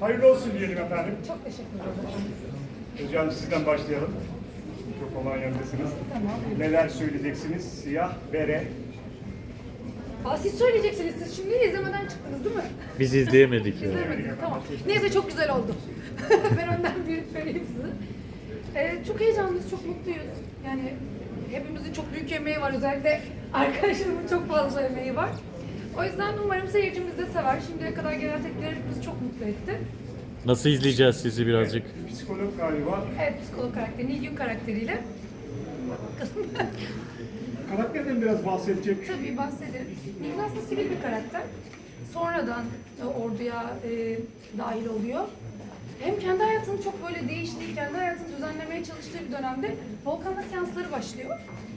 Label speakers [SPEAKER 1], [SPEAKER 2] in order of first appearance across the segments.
[SPEAKER 1] Hayırlı olsun diyelim efendim.
[SPEAKER 2] Çok teşekkür ederim.
[SPEAKER 1] Hocam sizden başlayalım. Mikrofonun yanındasınız.
[SPEAKER 2] Tamam.
[SPEAKER 1] Neler söyleyeceksiniz? Siyah bere.
[SPEAKER 2] Siz söyleyeceksiniz. Siz şimdi izlemeden çıktınız değil mi?
[SPEAKER 3] Biz izleyemedik ya.
[SPEAKER 2] İzlemediniz. Tamam. Neyse çok güzel oldu. Ben önden bir vereyim size. Çok heyecanlıyız, çok mutluyuz. Yani hepimizin çok büyük emeği var. Özellikle arkadaşlarımın çok fazla emeği var. O yüzden umarım seyircimiz de sever. Şimdiye kadar gelen tepkiler bizi çok mutlu etti.
[SPEAKER 3] Nasıl izleyeceğiz sizi birazcık?
[SPEAKER 1] Psikolog galiba.
[SPEAKER 2] Evet, psikolog karakteri, Nilgün karakteriyle.
[SPEAKER 1] Karakterden biraz bahsedecek.
[SPEAKER 2] Tabii bahsederim. Nilgün aslında sivil bir karakter. Sonradan orduya dahil oluyor. Hem kendi hayatını çok böyle değiştiği, kendi hayatını düzenlemeye çalıştığı bir dönemde Volkan'la seansları başlıyor.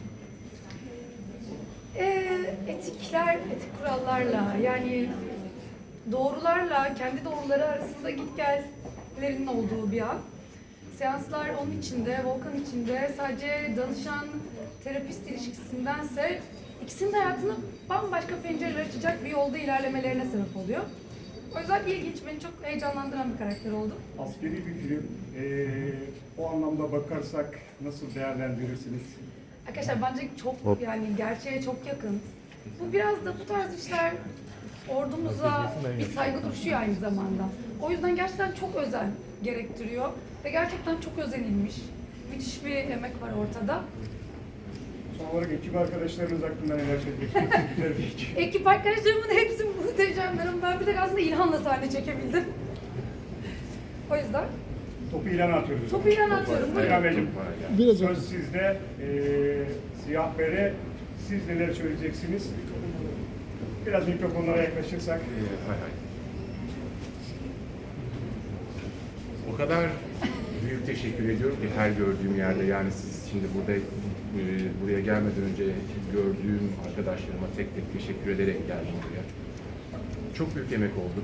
[SPEAKER 2] Etik kurallarla, yani doğrularla, kendi doğruları arasında git gellerinin olduğu bir an. Seanslar onun içinde, Volkan içinde sadece danışan terapist ilişkisindense ikisinin de hayatını bambaşka pencereler açacak bir yolda ilerlemelerine sebep oluyor. O yüzden ilginç, beni çok heyecanlandıran bir karakter oldu.
[SPEAKER 1] Askeri bir film. O anlamda bakarsak nasıl değerlendirirsiniz?
[SPEAKER 2] Arkadaşlar bence çok yani gerçeğe çok yakın. Bu biraz da bu tarz işler ordumuza bir saygı duruşu aynı zamanda. O yüzden gerçekten çok özen gerektiriyor ve gerçekten çok özenilmiş. Müthiş bir emek var ortada.
[SPEAKER 1] Son olarak ekip arkadaşlarınız hakkında neler söyleyeceksiniz? Güzel bir ekip.
[SPEAKER 2] Ekip arkadaşlarımın hepsi muhteşemlerim. Ben bir tek aslında İlhan'la sahne çekebildim. O yüzden
[SPEAKER 1] Topu ilana atıyoruz.
[SPEAKER 2] topu İlhan'a atıyorum.
[SPEAKER 1] İlhan
[SPEAKER 2] Buyurun.
[SPEAKER 1] Beyciğim, söz sizde. Siyah bere, siz neler söyleyeceksiniz? Biraz mikrofonlara yaklaşırsak.
[SPEAKER 4] Hay hay. O kadar büyük teşekkür ediyorum ki her gördüğüm yerde, yani siz şimdi buraya gelmeden önce gördüğüm arkadaşlarıma tek tek teşekkür ederek geldim buraya. Çok büyük emek oldu.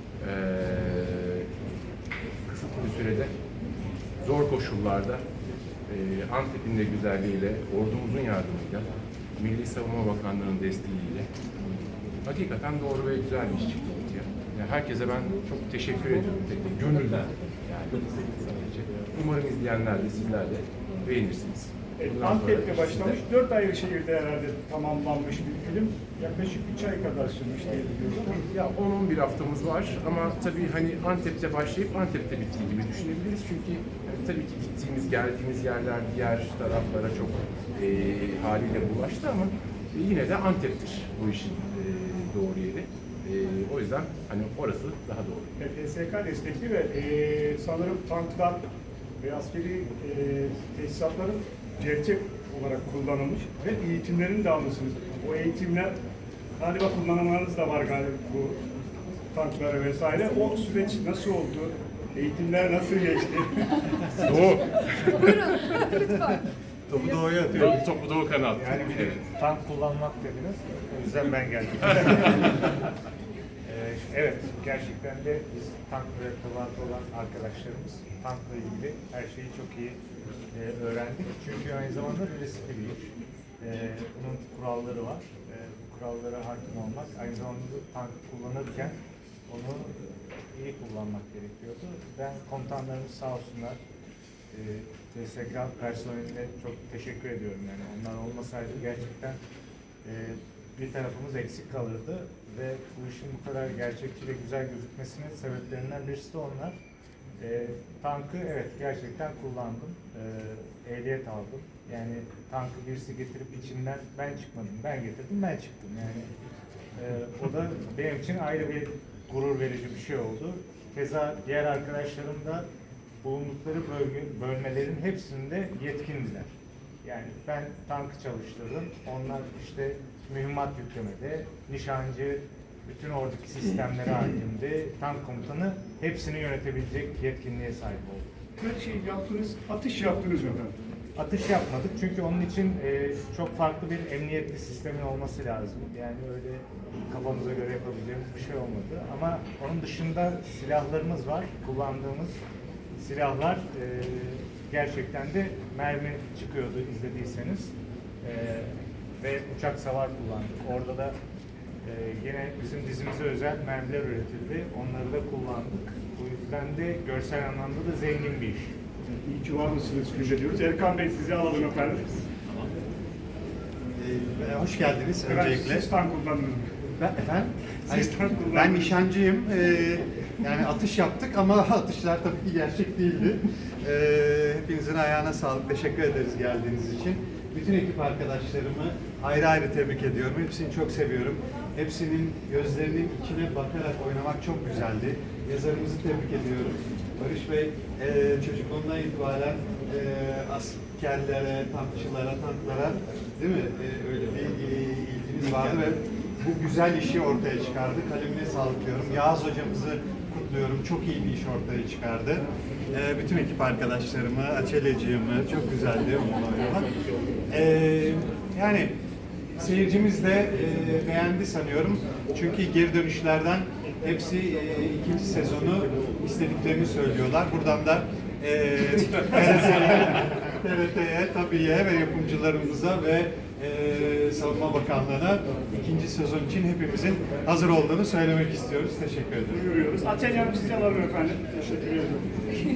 [SPEAKER 4] Kısıtlı bir sürede, zor koşullarda, Antep'in de güzelliğiyle, ordumuzun yardımıyla, Milli Savunma Bakanlığı'nın desteğiyle hakikaten doğru ve güzel bir iş çıktı ortaya. Yani herkese ben çok teşekkür ediyorum, tek tek gönülden. Yani sadece. Umarım izleyenler de sizler de beğenirsiniz.
[SPEAKER 1] Antep'te başlamış, 4 ayrı şehirde herhalde tamamlanmış bir film. Yaklaşık 3 ay kadar sürmüş diye biliyorum.
[SPEAKER 4] Ya 10-11 haftamız var ama tabii hani Antep'te başlayıp Antep'te bittiği gibi düşünebiliriz. Çünkü tabii ki gittiğimiz, geldiğimiz yerler diğer taraflara çok haliyle bulaştı ama yine de Antep'tir bu işin doğru yeri. O yüzden hani orası daha doğru.
[SPEAKER 1] TSK destekli ve sanırım tanklar ve askeri tesisatların gerçek olarak kullanılmış ve eğitimlerini de almışsınız. O eğitimler galiba kullanımlarınız da var galiba bu tanklara vesaire. O süreç nasıl oldu? Eğitimler nasıl geçti?
[SPEAKER 4] Doğu.
[SPEAKER 2] Buyurun lütfen.
[SPEAKER 5] Topu doğuya atıyor.
[SPEAKER 4] Topu Doğu kanat.
[SPEAKER 5] Yani bir de tank kullanmak dediniz. O yüzden ben geldim. Evet, gerçekten de biz tank mürettebatı olan arkadaşlarımız tankla ilgili her şeyi çok iyi öğrendik. Çünkü aynı zamanda riskli bir iş. Bunun kuralları var. Bu kurallara hakim olmak, aynı zamanda tank kullanırken onu iyi kullanmak gerekiyordu. Ben komutanlarımız sağ olsunlar, TSK personeline çok teşekkür ediyorum. Yani onlar olmasaydı gerçekten bir tarafımız eksik kalırdı ve bu işin bu kadar gerçekçi ve güzel gözükmesinin sebeplerinden birisi de onlar. Tankı evet gerçekten kullandım, ehliyet aldım. Yani tankı birisi getirip içinden ben çıkmadım, ben getirdim, ben çıktım. Yani o da benim için ayrı bir gurur verici bir şey oldu. Keza diğer arkadaşlarım da bulundukları bölmelerin hepsinde yetkindiler. Yani ben tankı çalıştırdım, onlar işte mühimmat yüklemede, nişancı, bütün oradaki sistemlere hakimdi, tank komutanı hepsini yönetebilecek yetkinliğe sahip oldu.
[SPEAKER 1] Her şeyi yaptınız, atış yaptınız mı efendim?
[SPEAKER 5] Atış yapmadık çünkü onun için çok farklı bir emniyetli sistemin olması lazım. Yani öyle kafamıza göre yapabileceğimiz bir şey olmadı. Ama onun dışında silahlarımız var, kullandığımız silahlar gerçekten de mermi çıkıyordu izlediyseniz. Ve uçak savar kullandık. Orada da yine bizim dizimize özel mermiler üretildi. Onları da kullandık. O yüzden de görsel anlamda da zengin bir iş.
[SPEAKER 1] İyi ki var mısınız Güce diyoruz. Erkan Bey sizi alalım efendim.
[SPEAKER 6] Hoş geldiniz
[SPEAKER 1] Efendim,
[SPEAKER 6] öncelikle.
[SPEAKER 1] siz tank kullandınız mı?
[SPEAKER 6] Efendim?
[SPEAKER 1] Siz tank kullandınız.
[SPEAKER 6] Ben nişancıyım. Yani atış yaptık ama atışlar tabii ki gerçek değildi. Hepinizin ayağına sağlık. Teşekkür ederiz geldiğiniz için. Bütün ekip arkadaşlarımı ayrı ayrı tebrik ediyorum. Hepsini çok seviyorum. Hepsinin gözlerinin içine bakarak oynamak çok güzeldi. Yazarımızı tebrik ediyorum. Barış Bey çocukluğundan itibaren askerlere, tankçılara, tanklara değil mi? Öyle bir ilginiz vardı ve bu güzel işi ortaya çıkardı. Kalemine sağlık diyorum. Yağız hocamızı kutluyorum. Çok iyi bir iş ortaya çıkardı. Bütün ekip arkadaşlarımı, Açeleciğimi çok güzeldi onunla oynamak. Yani seyircimiz de beğendi sanıyorum. Çünkü geri dönüşlerden hepsi ikinci sezonu istediklerini söylüyorlar. Buradan da TRT'ye, TABİ'ye ve yapımcılarımıza ve Savunma Bakanlığı'na ikinci sezon için hepimizin hazır olduğunu söylemek istiyoruz. Teşekkür ederim.
[SPEAKER 1] Duyuruyoruz. Açacağım sizi alalım efendim. Teşekkür ederim.